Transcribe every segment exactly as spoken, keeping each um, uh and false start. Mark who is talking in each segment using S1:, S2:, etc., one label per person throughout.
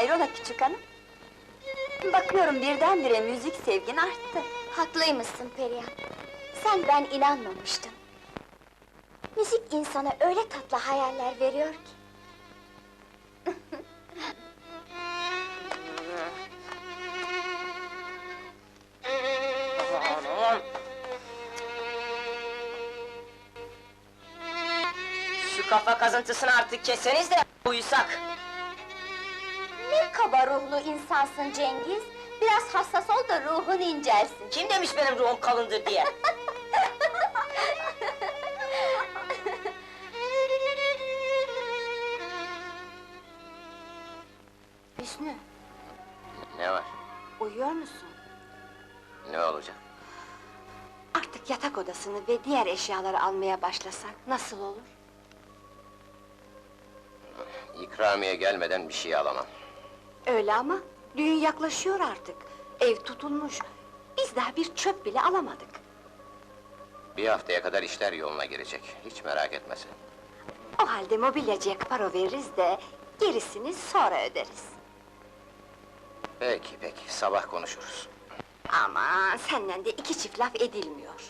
S1: Hayrola küçük hanım? Bakıyorum birdenbire müzik sevgin arttı.
S2: Haklıymışsın Perihan. Sen ben inanmamıştım. Müzik insana öyle tatlı hayaller veriyor ki.
S3: Şu kafa kazıntısını artık keseniz de uyusak!
S2: Ne kaba ruhlu insansın Cengiz! Biraz hassas ol da ruhun incelsin!
S3: Kim demiş benim ruhum kalındır diye?
S1: Hüsnü,
S4: Ne var?
S1: uyuyor musun?
S4: Ne olacak?
S1: Artık yatak odasını ve diğer eşyaları almaya başlasak nasıl olur?
S4: İkramiye gelmeden bir şey alamam.
S1: Öyle ama düğün yaklaşıyor artık. Ev tutulmuş. Biz daha bir çöp bile alamadık.
S4: Bir haftaya kadar işler yoluna girecek. Hiç merak etme sen.
S1: O halde mobilyacıya para veririz de gerisini sonra öderiz.
S4: Peki peki, sabah konuşuruz.
S1: Aman senden de iki çift laf edilmiyor.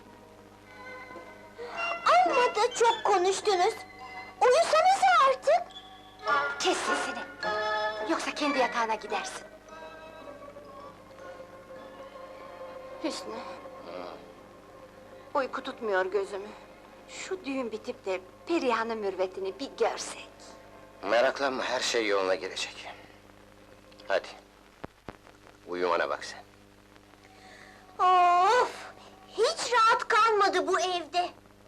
S2: Amma da çok konuştunuz! Uyusanıza artık!
S1: Kes sesini! Yoksa kendi yatağına gidersin. Hüsnü! Uyku tutmuyor gözümü. Şu düğün bitip de Perihan'ın mürvetini bir görsek.
S4: Meraklanma, her şey yoluna girecek. Hadi. Uyumana bak sen.
S2: Of! Hiç rahat kalmadı bu evde!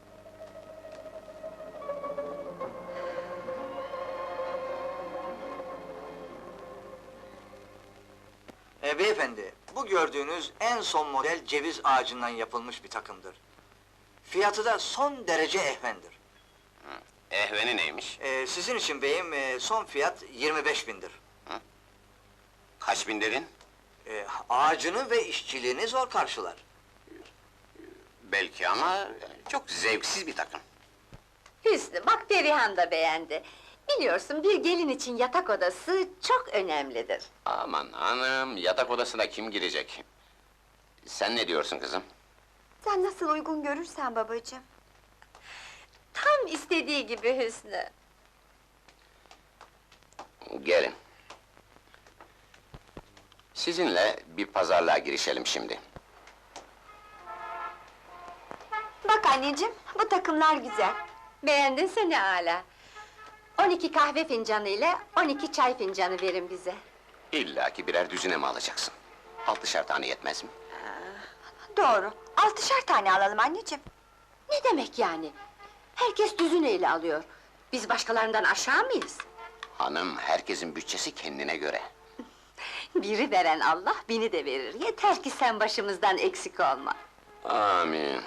S5: E, beyefendi, bu gördüğünüz en son model ceviz ağacından yapılmış bir takımdır. Fiyatı da son derece ehvendir.
S4: Ehveni neymiş?
S5: E, sizin için beyim, e, son fiyat yirmi beş bindir.
S4: Kaç bin dedin?
S5: E, ağacını ve işçiliğini zor karşılar.
S4: Belki ama çok zevksiz bir takım.
S1: Hüsnü, bak Perihan da beğendi. Biliyorsun bir gelin için yatak odası çok önemlidir.
S4: Aman hanım, yatak odasına kim girecek? Sen ne diyorsun kızım?
S1: Sen nasıl uygun görürsen babacığım. Tam istediği gibi Hüsnü.
S4: Gelin. Sizinle bir pazarlığa girişelim şimdi.
S1: Bak anneciğim, bu takımlar güzel. Beğendinse ne âlâ. On iki kahve fincanı ile on iki çay fincanı verin bize.
S4: İlla ki birer düzine mi alacaksın? Altışar tane yetmez mi?
S1: Doğru, altışar tane alalım anneciğim. Ne demek yani? Herkes düzüneyle alıyor. Biz başkalarından aşağı mıyız?
S4: Hanım, herkesin bütçesi kendine göre.
S1: Biri veren Allah, bini de verir. Yeter ki sen başımızdan eksik olma.
S4: Amin.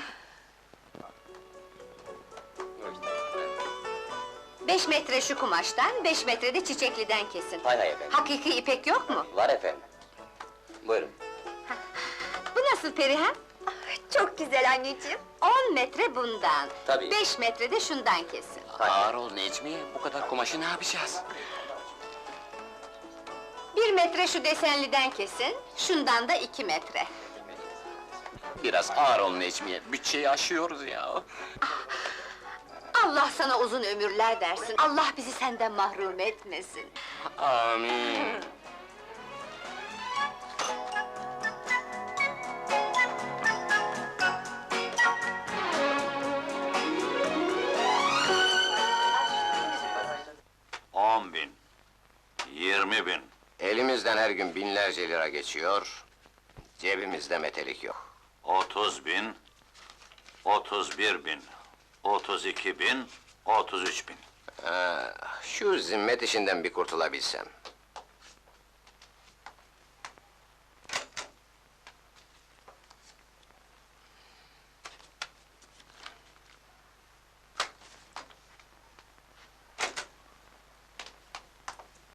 S1: Beş metre şu kumaştan, beş metre de çiçekliden kesin.
S4: Hay hay efendim.
S1: Hakiki ipek yok mu?
S4: Var efendim. Buyurun.
S1: Bu nasıl Perihan? Çok güzel anneciğim. On metre bundan.
S4: Tabii.
S1: Beş metre de şundan kesin.
S4: Ağır ol Necmiye, bu kadar kumaşı ne yapacağız?
S1: Bir metre şu desenliden kesin, şundan da iki metre.
S4: Biraz ağır ol Necmiye, bütçeyi aşıyoruz ya.
S1: Allah sana uzun ömürler versin, Allah bizi senden mahrum etmesin.
S4: Amin.
S6: On bin, yirmi bin.
S4: Elimizden her gün binlerce lira geçiyor, cebimizde metelik yok.
S6: Otuz bin, otuz bir bin, otuz iki bin, otuz üç bin.
S4: Ha, şu zimmet işinden bir kurtulabilsem.